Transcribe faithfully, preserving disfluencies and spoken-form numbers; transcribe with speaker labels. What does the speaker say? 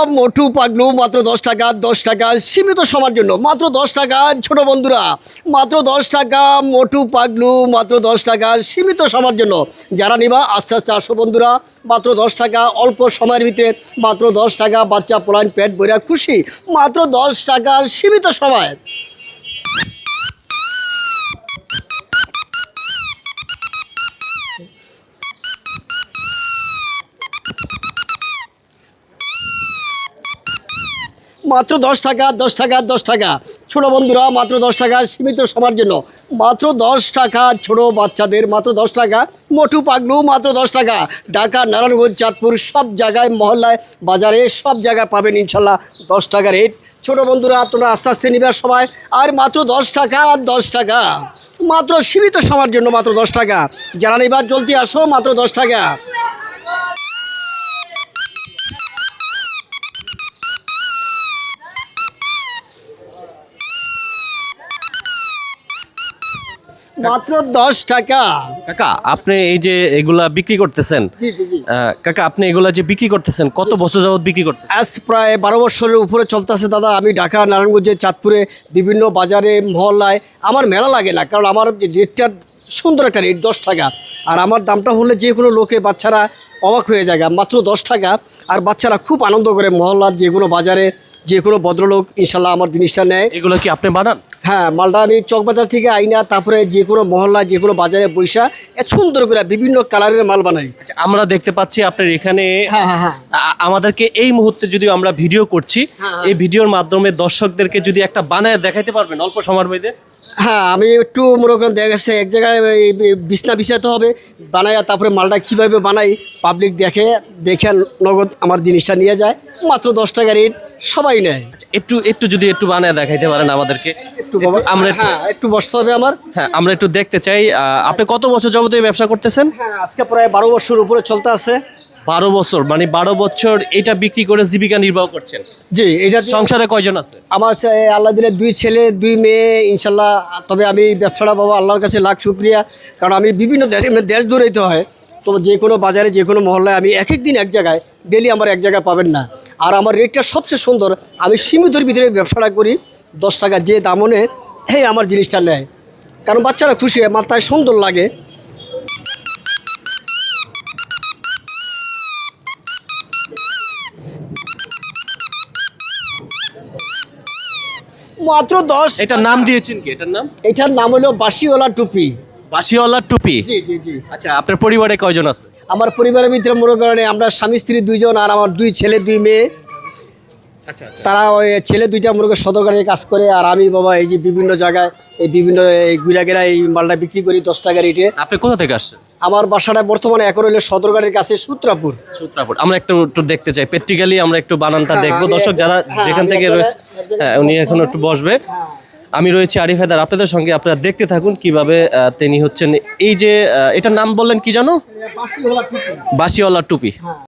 Speaker 1: মোটু পাগলু মাত্র দশ টাকা দশ টাকা সীমিত সময়ের জন্য মাত্র দশ টাকা ছোট বন্ধুরা মাত্র দশ টাকা মোটু পাগলু মাত্র দশ টাকা সীমিত সময়ের জন্য যারা নিবা আস্তে আস্তে আসো বন্ধুরা মাত্র দশ টাকা অল্প সময়ের ভিতরে মাত্র দশ টাকা বাচ্চা পোলাইন পেট বইরা খুশি মাত্র দশ টাকা সীমিত সময় মাত্র দশ টাকা দশ টাকা দশ টাকা ছোট বন্ধুরা মাত্র দশ টাকা সীমিত সময়ের জন্য মাত্র দশ টাকা ছোট বাচ্চাদের মাত্র দশ টাকা মোটু পাগলু মাত্র দশ টাকা ঢাকা নারায়ণগঞ্জ চাঁদপুর সব জায়গায় মহল্লায় বাজারে সব জায়গায় পাবেন ইনশাল্লাহ দশ টাকা রেট ছোট বন্ধুরা তোমরা আস্তে আস্তে নিবে সবাই আর মাত্র দশ টাকা দশ টাকা মাত্র সীমিত সময়ের জন্য মাত্র দশ টাকা যারা নিবার জলদি আসো মাত্র দশ টাকা মাত্র দশ টাকা
Speaker 2: কাকা আপনি এই যে এগুলা বিক্রি করতেছেন
Speaker 1: জি জি জি
Speaker 2: আহ, কাকা আপনি এগুলা যে বিক্রি করতেছেন কত বছর যাবত বিক্রি করতেছেন?
Speaker 1: আজ প্রায় বারো বছরের উপরে চলতেছে দাদা আমি ঢাকা নারায়ণগঞ্জে চাঁদপুরে বিভিন্ন বাজারে মহল্লায় আমার মেলা লাগে না কারণ আমার যে রেটটা সুন্দর একটা রেট দশ টাকা আর আমার দামটা হলে যে কোনো লোকে বাচ্চারা অবাক হয়ে যায় মাত্র দশ টাকা আর বাচ্চারা খুব আনন্দ করে মহল্লার যে কোনো বাজারে যে কোনো ভদ্রলোক ইনশাল্লাহ আমার জিনিসটা নেয়
Speaker 2: এগুলো কি আপনি বানান?
Speaker 1: হ্যাঁ মালদা আমি চকবাজার থেকে আইনা তারপরে যে কোনো মহল্লায় যে কোনো বাজারে বৈশা এত সুন্দর করে বিভিন্ন কালারের মাল বানাই
Speaker 2: আচ্ছা, আমরা দেখতে পাচ্ছি আপনার এখানে
Speaker 1: হ্যাঁ হ্যাঁ হ্যাঁ
Speaker 2: আ- আমাদেরকে এই মুহূর্তে যদি আমরা ভিডিও করছি
Speaker 1: হ্যাঁ।
Speaker 2: এই ভিডিওর মাধ্যমে দর্শকদেরকে যদি একটা বানায় দেখাইতে পারবেন অল্প সময়ের মধ্যে?
Speaker 1: হ্যাঁ আমি একটু মনে করেন দেখা গেছে এক জায়গায় এই বিছনা বিছাতে হবে বানাইয়া তারপরে মালটা কীভাবে বানাই পাবলিক দেখে দেখে নগদ আমার জিনিসটা নিয়ে যায় মাত্র দশ টাকা রেট সবাই নেয়
Speaker 2: আচ্ছা, একটু একটু যদি একটু বানায় দেখাইতে পারেন আমাদেরকে
Speaker 1: একটু বাবা
Speaker 2: আমরা একটু
Speaker 1: হ্যাঁ একটু বসতে হবে আমার
Speaker 2: হ্যাঁ আমরা একটু দেখতে চাই আহ, আপনি কত বছর যাবত এই ব্যবসা করতেছেন?
Speaker 1: হ্যাঁ আজকে প্রায় বারো বছর উপরে চলতে আছে
Speaker 2: বারো বছর মানে বারো বছর এটা বিক্রি করে জীবিকা নির্বাহ করছেন।
Speaker 1: জি এটা দিয়ে-
Speaker 2: সংসারে কয়জন আছে?
Speaker 1: আমার সে- আল্লাহ দিলে দুই ছেলে দুই মেয়ে ইনশাল্লাহ তবে আমি ব্যবসাটা বাবা আল্লাহর কাছে লাখ শুক্রিয়া কারণ আমি বিভিন্ন দেশে দেশ দৌড়াইতে হয় তো যে কোনো বাজারে যে কোনো মহল্লায় আমি এক এক দিন এক জায়গায় ডেলি আমার এক জায়গায় পাবেন না আর আমার রেটটা সবচেয়ে সুন্দর আমি সীমিতর ভিতরে ব্যবসাটা করি দশ টাকা যে দামনে হ্যাঁ আমার জিনিসটা নেয় কারণ বাচ্চারা খুশি হয় মাথায় সুন্দর লাগে মাত্র দশ
Speaker 2: এটার নাম দিয়েছেন কি? এটার নাম
Speaker 1: এটার নাম হলো বাসিওয়ালা টুপি
Speaker 2: বাসিওয়ালার টুপি।
Speaker 1: জি জি জি
Speaker 2: আচ্ছা আপনার পরিবারে কয়জন আছে?
Speaker 1: আমার পরিবারের ভিতরে মনে করেন আমরা স্বামী স্ত্রী দুইজন আর আমার দুই ছেলে দুই মেয়ে
Speaker 2: আচ্ছা
Speaker 1: তারা ওই ছেলে দুইটা মনে করেন সদরকারে কাজ করে আর আমি বাবা এই যে বিভিন্ন জায়গায় এই বিভিন্ন এই গুইলাগেরা এই মালটা বিক্রি করি দশ টাকা রেটে
Speaker 2: আপনি কোথা থেকে আসছেন?
Speaker 1: আমার বাসাটা বর্তমানে এখন হইলে সদরকারের কাছে সূত্রাপুর
Speaker 2: সূত্রাপুর। আমরা একটু একটু দেখতে চাই প্র্যাকটিক্যালি আমরা একটু বানানটা
Speaker 1: হ্যাঁ,
Speaker 2: দেখবো
Speaker 1: আমি
Speaker 2: দর্শক
Speaker 1: একজন-
Speaker 2: যারা
Speaker 1: হ্যাঁ,
Speaker 2: যেখান
Speaker 1: আমি
Speaker 2: থেকে
Speaker 1: একজনে-
Speaker 2: রয়েছে
Speaker 1: একজনে-
Speaker 2: হ্যাঁ উনি এখন একটু বসবে আমি রয়েছি আরিফ হায়দার আপনাদের সঙ্গে আপনারা দেখতে থাকুন কিভাবে আহ, তিনি হচ্ছেন এই যে আহ, এটার নাম বললেন কি জানো? বাসিওয়ালার টুপি।